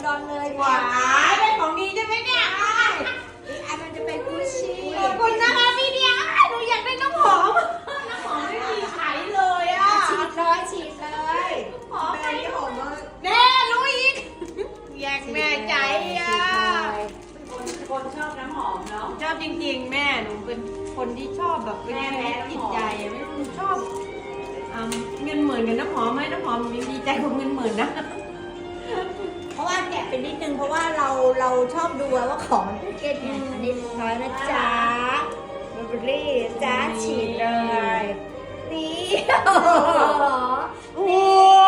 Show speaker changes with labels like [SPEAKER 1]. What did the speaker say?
[SPEAKER 1] ดอนเลย
[SPEAKER 2] หวานได้ของดีใช่ไหมเนี่ย
[SPEAKER 1] อีกอันมันจะเป็นกุชชี่
[SPEAKER 2] ขอบคุณนะคะพี่เดียหนูอยากได้น้ำหอมน้ำหอมไม่มีขายเลยอ่ะ
[SPEAKER 1] ฉีดเลยฉีดเลย
[SPEAKER 2] หอม
[SPEAKER 1] แบรนด์นี้หอมมาก
[SPEAKER 2] แม่รู้อีกแยกแม่ใจอ่ะ
[SPEAKER 3] คนชอบน้ำหอมเนาะ
[SPEAKER 2] ชอบจริงๆแม่หนูเป็นคนที่ชอบแบบเป็นแม่จิตใจอะไม่ชอบเงินหมื่นกับน้ำหอมไหมน้ำหอมมีดีใจกว่าเงินหมื่นนะ
[SPEAKER 1] เพราะว่าแกะเป็นนิดนึงเพราะว่าเราชอบดูว่าของมันเป็นเกจไงอันนี้น้อยนะจ๊ะเบอร์รี่จ้าฉีดเลยนี่
[SPEAKER 2] โอ้